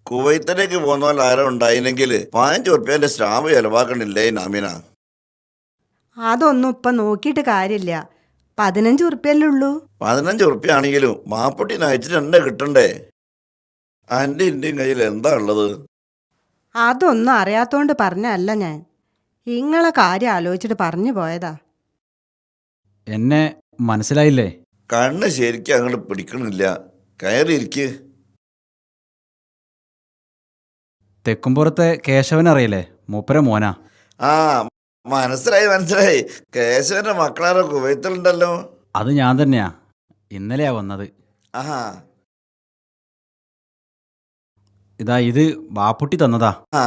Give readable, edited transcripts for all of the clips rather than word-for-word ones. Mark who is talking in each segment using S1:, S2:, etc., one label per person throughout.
S1: കുവൈത്തിലേക്ക് പോകുന്ന പോലെ ആരോ ഉണ്ടായില്ലെങ്കിൽ 15 ഉറുപ്പ്യന്റെ സ്റ്റാമ്പ് ചെലവാക്കണില്ലേ നാമിന?
S2: അതൊന്നും ഇപ്പം നോക്കിയിട്ട് കാര്യമില്ല. 15 ഉറുപ്പ്യല്ലേ ഉള്ളൂ.
S1: 15 ഉറുപ്പ്യ ആണെങ്കിലും മാപ്പൊട്ടി നയിച്ചിട്ട് എന്നെ കിട്ടണ്ടേ? എൻ്റെ ഇന്ത്യൻ കയ്യിൽ എന്താ ഉള്ളത്?
S2: അതൊന്നും അറിയാത്തോണ്ട് പറഞ്ഞല്ല ഞാൻ. ഇങ്ങളെ കാര്യം ആലോചിച്ചിട്ട് പറഞ്ഞു പോയതാ.
S3: എന്നെ മനസ്സിലായില്ലേ?
S1: കണ്ണ് ശരിക്കും അങ്ങോട്ട് പിടിക്കണില്ല. കയറിയിരിക്ക്.
S3: തെക്കുംപുറത്തെ കേശവനറിയില്ലേ? മൂപ്പര മോനാ.
S1: ആ, മനസ്സിലായി. കേശവന്റെ മക്കളാരോ കുവൈത്തിലുണ്ടല്ലോ.
S3: അത് ഞാൻ തന്നെയാ. ഇന്നലെയാ വന്നത്.
S1: ആഹാ.
S3: ഇതാ ഇത് ബാപ്പുട്ടി തന്നതാ.
S1: ആ.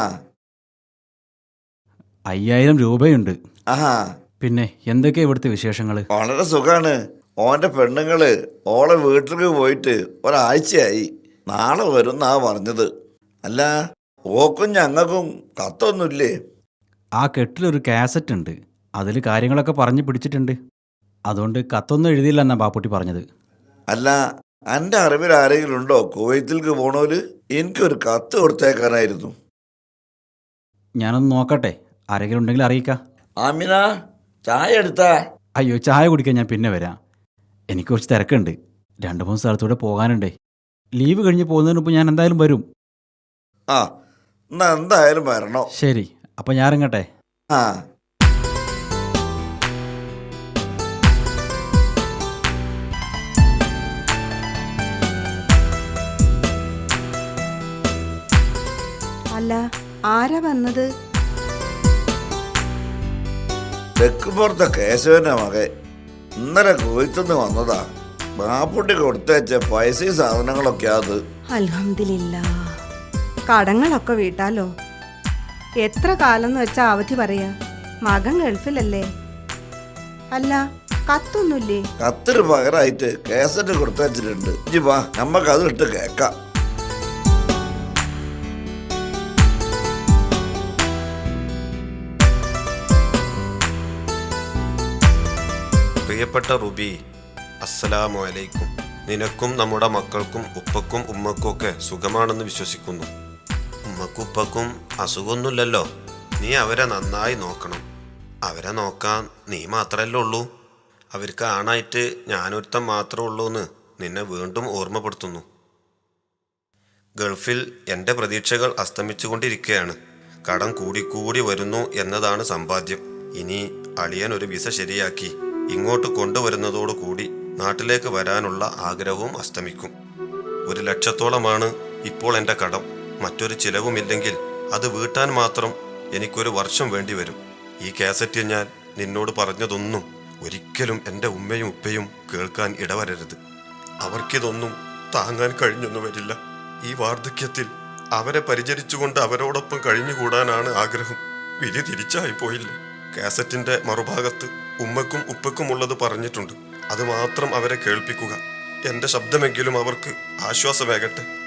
S3: 5000 രൂപയുണ്ട്.
S1: ആഹാ.
S3: പിന്നെ എന്തൊക്കെയാ ഇവിടുത്തെ വിശേഷങ്ങൾ?
S1: വളരെ സുഖാണ്. ഓന്റെ പെണ്ണുങ്ങള് ഓളെ വീട്ടിലേക്ക് പോയിട്ട് ഒരാഴ്ചയായി. നാളെ വരുന്നാ പറഞ്ഞത്. അല്ല, ഓക്കും ഞങ്ങൾക്കും കത്തൊന്നുമില്ലേ?
S3: ആ കെട്ടിലൊരു കാസറ്റ് ഉണ്ട്. അതിൽ കാര്യങ്ങളൊക്കെ പറഞ്ഞു പിടിച്ചിട്ടുണ്ട്. അതുകൊണ്ട് കത്തൊന്നും എഴുതിയില്ലെന്നാ ബാപ്പുട്ടി പറഞ്ഞത്.
S1: അല്ല, എൻ്റെ അറിവിൽ ആരെങ്കിലും ഉണ്ടോ കുവൈത്തിലേക്ക് പോണോല്? എനിക്കൊരു കത്ത് കൊടുത്തേക്കാനായിരുന്നു.
S3: ഞാനൊന്ന് നോക്കട്ടെ, ആരെങ്കിലും ഉണ്ടെങ്കിൽ അറിയിക്കാം.
S1: ആമിന, ചായ എടുത്താ?
S3: അയ്യോ, ചായ കുടിക്കാൻ ഞാൻ പിന്നെ വരാം. എനിക്ക് കുറച്ച് തിരക്കുണ്ട്. 2-3 സ്ഥലത്തൂടെ പോകാനുണ്ടേ. ലീവ് കഴിഞ്ഞ് പോകുന്നതിന് മുമ്പ് ഞാൻ എന്തായാലും വരും.
S1: ആ, എന്നാ എന്തായാലും വരണോ?
S3: ശരി, അപ്പം ഞാൻ ഇറങ്ങട്ടെ.
S1: ആ.
S2: അല്ല, ആരാ വന്നത്?
S1: തെക്കുപുറത്തെ കേശവന്റെ മകൻ ഇന്നലെ കുവൈത്തുനിന്ന് വന്നതാ. ബാപ്പുട്ടി കൊടുത്തയച്ച പൈസയും സാധനങ്ങളൊക്കെ അത്.
S2: അൽഹംദുലില്ലാ. കടങ്ങളൊക്കെ വീട്ടാലോ. എത്ര കാലം എന്ന് വെച്ചാ അവധി പറയാ? മകൻ ഗൾഫിലല്ലേ. അല്ല, കത്തൊന്നുമില്ലേ?
S1: കത്തിന് പകരമായിട്ട് കേസറ്റ് കൊടുത്തയച്ചിട്ടുണ്ട്. ഇജ്ജ് വാ, നമ്മക്ക് അത് ഇട്ട് കേക്കാം.
S4: പ്രിയപ്പെട്ട റുബി, അസ്സലാമു അലൈക്കും. നിനക്കും നമ്മുടെ മക്കൾക്കും ഉപ്പക്കും ഉമ്മക്കും ഒക്കെ സുഖമാണെന്ന് വിശ്വസിക്കുന്നു. ഉമ്മക്കും ഉപ്പക്കും അസുഖമൊന്നുമില്ലല്ലോ. നീ അവരെ നന്നായി നോക്കണം. അവരെ നോക്കാൻ നീ മാത്രമല്ലേ ഉള്ളൂ. അവർക്ക് ആണായിട്ട് ഞാനൊരുത്തം മാത്രമേ ഉള്ളൂ എന്ന് നിന്നെ വീണ്ടും ഓർമ്മപ്പെടുത്തുന്നു. ഗൾഫിൽ എൻ്റെ പ്രതീക്ഷകൾ അസ്തമിച്ചുകൊണ്ടിരിക്കുകയാണ്. കടം കൂടിക്കൂടി വരുന്നു എന്നതാണ് സമ്പാദ്യം. ഇനി അളിയൻ ഒരു വിസ ശരിയാക്കി ഇങ്ങോട്ട് കൊണ്ടുവരുന്നതോടുകൂടി നാട്ടിലേക്ക് വരാനുള്ള ആഗ്രഹവും അസ്തമിക്കും. 1 ലക്ഷത്തോളമാണ് ഇപ്പോൾ എൻ്റെ കടം. മറ്റൊരു ചിലവുമില്ലെങ്കിൽ അത് വീട്ടാൻ മാത്രം എനിക്കൊരു വർഷം വേണ്ടി വരും. ഈ കാസറ്റിൽ ഞാൻ നിന്നോട് പറഞ്ഞതൊന്നും ഒരിക്കലും എൻ്റെ ഉമ്മയും ഉപ്പയും കേൾക്കാൻ ഇടവരരുത്. അവർക്കിതൊന്നും താങ്ങാൻ കഴിഞ്ഞൊന്നും വരില്ല. ഈ വാർദ്ധക്യത്തിൽ അവരെ പരിചരിച്ചുകൊണ്ട് അവരോടൊപ്പം കഴിഞ്ഞുകൂടാനാണ് ആഗ്രഹം. വിധി തിരിച്ചായി പോയില്ലേ. കാസറ്റിൻ്റെ മറുഭാഗത്ത് ഉമ്മക്കും ഉപ്പക്കുമുള്ളത് പറഞ്ഞിട്ടുണ്ട്. അത് മാത്രം അവരെ കേൾപ്പിക്കുക. എൻ്റെ ശബ്ദമെങ്കിലും അവർക്ക് ആശ്വാസമേകട്ടെ.